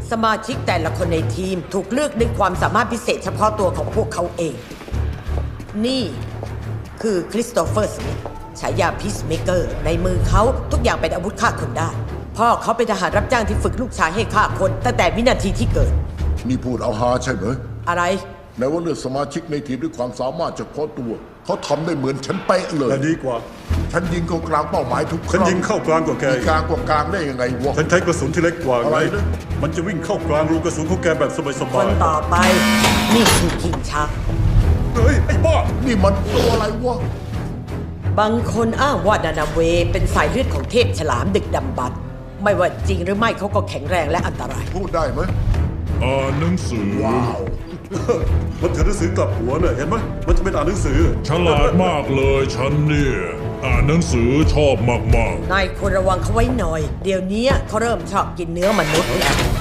สมาชิกแต่ละคนในทีมถูกเลือกด้วยความสามารถพิเศษเฉพาะตัวของพวกเขาเอง นี่คือคริสโตเฟอร์สมิธฉายาพีซเมเกอร์ในมือเขาทุกอย่างเป็นอาวุธฆ่าคนได้ พ่อเขาเป็นทหารรับจ้างที่ฝึกลูกชายให้ฆ่าคนตั้งแต่วินาทีที่เกิดนี่พูดเอาฮาใช่ไหมอะไรแม้ว่าเลือกสมาชิกในทีมด้วยความสามารถเฉพาะตัว เขาทำได้เหมือนฉันเป๊ะเลยแต่ดีกว่าฉันยิงเข้ากลางเป้าหมายทุกคฉันรั้งยิงเข้ากลางกว่าแกมีกลางกว่ากลางได้ยังไงวะฉันใช้กระสุนที่เล็กกว่าอะไรไงนะมันจะวิ่งเข้ากลางรูกระสุนของแกแบบสคบายนต่อไป นี่คือคิงชักๆเฮ้ย ไอ้บ้านี่มันตัวอะไรวะบางคนอ้างว่านานาเวเป็นสายเลือดของเทพฉลามดึกดำบรรพ์ไม่ว่าจริงหรือไม่เขาก็แข็งแรงและอันตรายพูดได้ไหมอ่านหนังสือว้าวมันถือหนังสือกลับหัวเนี่ยเห็นไหมมันจะเป็นอ่านหนังสือฉลาดมากเลยฉันเนี่ย อ่านหนังสือชอบมากนายควรระวังเขาไว้หน่อย เดี๋ยวนี้เขาเริ่มชอบกินเนื้อมนุษย์แล้ว